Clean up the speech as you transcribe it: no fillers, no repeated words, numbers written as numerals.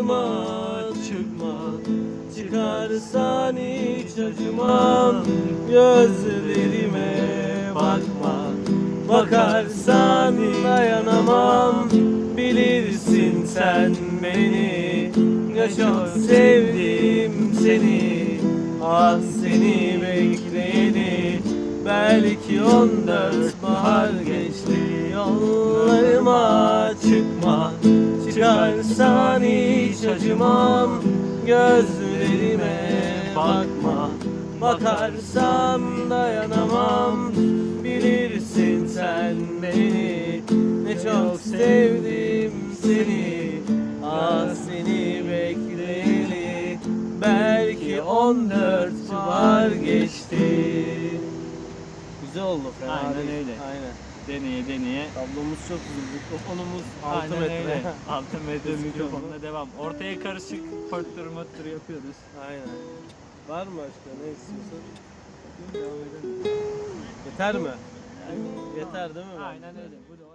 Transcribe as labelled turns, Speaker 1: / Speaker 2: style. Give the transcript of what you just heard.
Speaker 1: Yollarıma çıkma, çıkarsan hiç acımam. Gözlerime bakma, bakarsan dayanamam. Bilirsin sen beni, ne çok sevdim seni. Ah seni bekleyeni, belki 14 bahar geçti. Yollarıma çıkma, çıkarsan hiç acımam. Gözlerime bakma, bakarsan dayanamam. Bilirsin sen beni, ne çok sevdim seni. Ah seni bekleyeli, belki 14 bahar geçti. Güzel oldu, fena
Speaker 2: Aynen
Speaker 1: değil.
Speaker 2: öyle.
Speaker 1: Aynen.
Speaker 2: Deneye deneye.
Speaker 1: Tablomuz çok güzel. Mikrofonumuz 6
Speaker 2: Aynen
Speaker 1: metre.
Speaker 2: öyle. 6 metre
Speaker 1: Gözüküyor
Speaker 2: mikrofonla devam. Ortaya karışık pörttür möttür yapıyoruz.
Speaker 1: Aynen. Var mı başka ne istiyorsun? Yeter mi? Yeter değil mi?
Speaker 2: Aynen öyle. Bu da